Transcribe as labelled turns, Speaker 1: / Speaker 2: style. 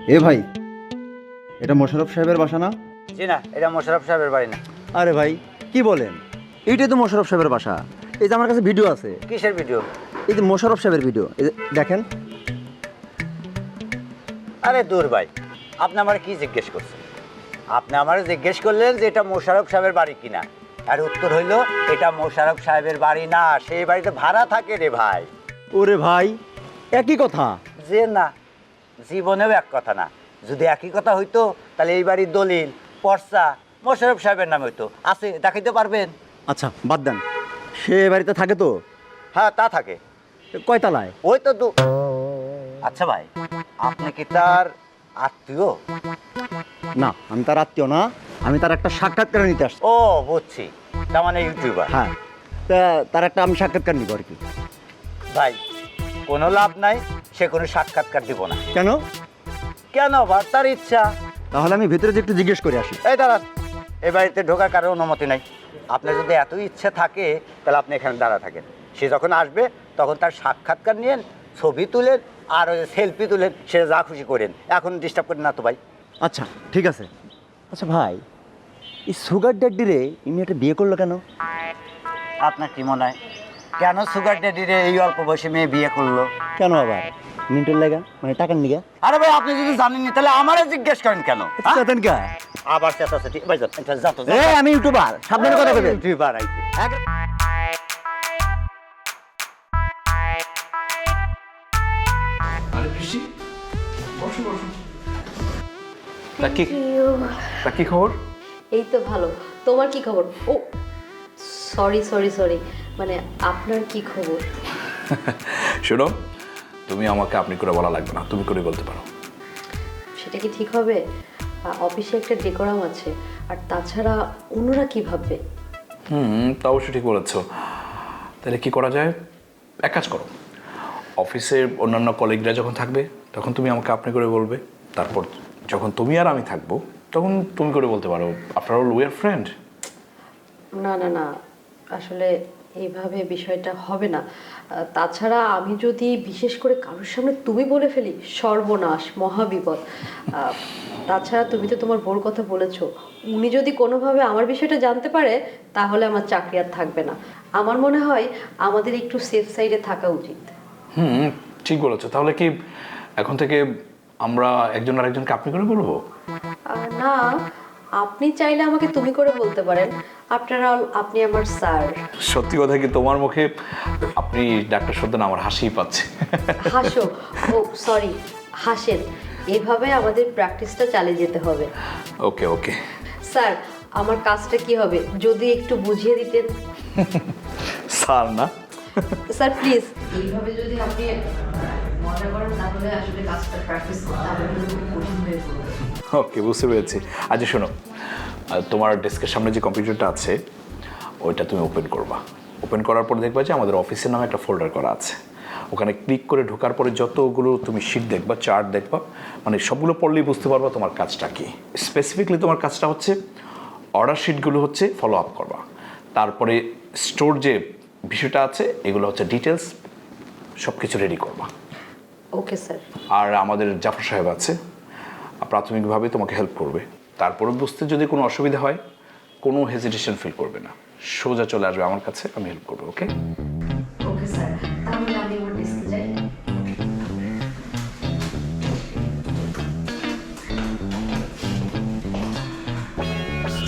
Speaker 1: এ ভাই, এটা মোশাররফ সাহেবের বাসা না?
Speaker 2: জি না, এটা মোশাররফ সাহেবের বাড়ি না।
Speaker 1: আরে ভাই, কি বলেন? এইটাই তো মোশাররফ সাহেবের বাসা। এই যে আমার কাছে ভিডিও আছে,
Speaker 2: কিসের ভিডিও?
Speaker 1: এই যে মোশাররফ সাহেবের ভিডিও, এই যে দেখেন।
Speaker 2: আরে দূর ভাই, আপনি আমার কি জিজ্ঞেস করছেন? আপনি আমার জিজ্ঞেস করলেন যে এটা মোশাররফ সাহেবের বাড়ি কিনা, আর উত্তর হইল এটা মোশাররফ সাহেবের বাড়ি না, সেই বাড়িতে ভাড়া থাকে রে ভাই।
Speaker 1: ওরে ভাই, একই কথা।
Speaker 2: যে না, জীবনেও এক কথা না। যদি একই কথা হইতো তাহলে এই বাড়ির দলিল পর্চা মোশাররফ সাহেবের নামে হইতো। আছে, দেখাইতে পারবেন?
Speaker 1: আচ্ছা বাদ দেন, সে এ বাড়িতে থাকে তো?
Speaker 2: হ্যাঁ, তা থাকে।
Speaker 1: কয়তলায়?
Speaker 2: ওই তো আচ্ছা ভাই, আপনি কি তার আত্মীয়?
Speaker 1: না, আমি তার আত্মীয় না, আমি তার একটা সাক্ষাৎকার নিতে আসছি।
Speaker 2: ও বুঝছি, তার মানে ইউটিউবার।
Speaker 1: হ্যাঁ, তা তার একটা আমি সাক্ষাৎকার নিব আর কি।
Speaker 2: ভাই, কোনো লাভ নাই, সে কোনো সাক্ষাৎকার দিব না।
Speaker 1: কেন?
Speaker 2: কেন আবার? তার ইচ্ছা।
Speaker 1: তাহলে আমি ভেতরে যে একটু জিজ্ঞেস করে আসি।
Speaker 2: এই দাঁড়ান, এই বাড়িতে ঢোকার কারো অনুমতি নাই। আপনার যদি এত ইচ্ছে থাকে তাহলে আপনি এখানে দাঁড়া থাকেন। সে যখন আসবে তখন তার সাক্ষাৎকার নিয়েন, ছবি তুলেন, আর ওই সেলফি তুলেন, সে যা খুশি করেন। এখন ডিস্টার্ব করেন না তো ভাই।
Speaker 1: আচ্ছা ঠিক আছে। আচ্ছা ভাই, এই সুগার ড্যাডি রে ইনি একটা বিয়ে করলো কেন?
Speaker 2: আপনার কি মনে হয় কেন সুগার ড্যাডিরে এই অল্প বয়সে মেয়ে বিয়ে করলো?
Speaker 1: কেন আবার? মিন্টুর লাগা, মানে টাকার নিগা?
Speaker 2: আরে ভাই, আপনি যদি জানেননি তাহলে আমারে জিজ্ঞেস করেন কেন? হ্যাঁ?
Speaker 1: চেতন কা?
Speaker 2: আবার চেঁচাচেঁচি। ভাই যান, এটা যা তো, যা।
Speaker 1: এই আমি ইউটিউবার, সাবধানে কথা বলবেন।
Speaker 2: ইউটিউবার আইছে।
Speaker 3: আরে খুশি, বসো বসো। তা কি খবর?
Speaker 4: এই তো ভালো। তোমার কি খবর? ও সরি সরি সরি, মানে আপনার কি খবর?
Speaker 3: শোনো, তুমি আমাকে আপনি করে বলা লাগবে না, তুমি করে বলতে পারো।
Speaker 4: সেটা কি ঠিক হবে? অফিসে একটা ডেকোরাম আছে, আর তাছাড়া অন্যরা কি ভাববে?
Speaker 3: তা অবশ্যই ঠিক বলেছো। তাহলে কি করা যায়? এক কাজ করো, অফিসের অন্যান্য কলিগরা যখন থাকবে তখন তুমি আমাকে আপনি করে বলবে। তারপর যখন তুমি আর আমি থাকবো তখন তুমি করে বলতে পারো। After all we are friend.
Speaker 4: না না না, আসলে এইভাবে বিষয়টা হবে না। তাছাড়া আমি যদি বিশেষ করে কারোর সামনে তুমি বলে ফেলি, সর্বনাশ, মহাবিপদ। তাছাড়া তুমি তো তোমার বোর কথা বলেছো, উনি যদি কোনোভাবে আমার বিষয়টা জানতে পারে তাহলে আমার চাকরি আর থাকবে না। আমার মনে হয় আমাদের একটু সেফ সাইডে থাকা উচিত।
Speaker 3: ঠিক বলেছো। তাহলে কি এখন থেকে আমরা একজন আরেকজনকে আপনি করে বলবো?
Speaker 4: না, আপনি চাইলে আমাকে তুমি করে বলতে পারেন। আফটার অল আপনি আমার স্যার।
Speaker 3: সত্যি কথা কি, তোমার মুখে আপনি ডাক্তার শব্দ না আমার হাসিই পাচ্ছে।
Speaker 4: হাসো, ও সরি, হাসেন। এভাবে আমাদের প্র্যাকটিসটা চালিয়ে যেতে হবে।
Speaker 3: ওকে ওকে।
Speaker 4: স্যার, আমার কাজটা কি হবে যদি একটু বুঝিয়ে দিতেন?
Speaker 3: স্যার না,
Speaker 4: স্যার প্লিজ, এইভাবে যদি আপনি মজা করেন তাহলে আসলে কাজটা প্র্যাকটিস করতে হবে কিন্তু খুব কঠিন হয়ে পড়বে।
Speaker 3: ওকে, বুঝতে পেরেছি। আচ্ছা শোনো, তোমার ডেস্কের সামনে যে কম্পিউটারটা আছে ওইটা তুমি ওপেন করবা। ওপেন করার পর দেখবা যে আমাদের অফিসের নামে একটা ফোল্ডার করা আছে। ওখানে ক্লিক করে ঢোকার পরে যতগুলো তুমি শিট দেখবা, চার্ট দেখবা, মানে সবগুলো পড়লেই বুঝতে পারবা তোমার কাজটা কি। স্পেসিফিকলি তোমার কাজটা হচ্ছে অর্ডার শিটগুলো হচ্ছে ফলো আপ করবা। তারপরে স্টোর যে বিষয়টা আছে এগুলো হচ্ছে ডিটেলস, সব কিছু রেডি করবা।
Speaker 4: Okay sir.
Speaker 3: আর আমাদের জাফর সাহেব আছে, প্রাথমিকভাবে তোমাকে হেল্প করবে। তারপরে বুঝতে যদি কোনো অসুবিধা হয় কোনো হেজিটেশন ফিল করবে না, সোজা চলে আসবে আমার কাছে, আমি হেল্প করবো। ওকে?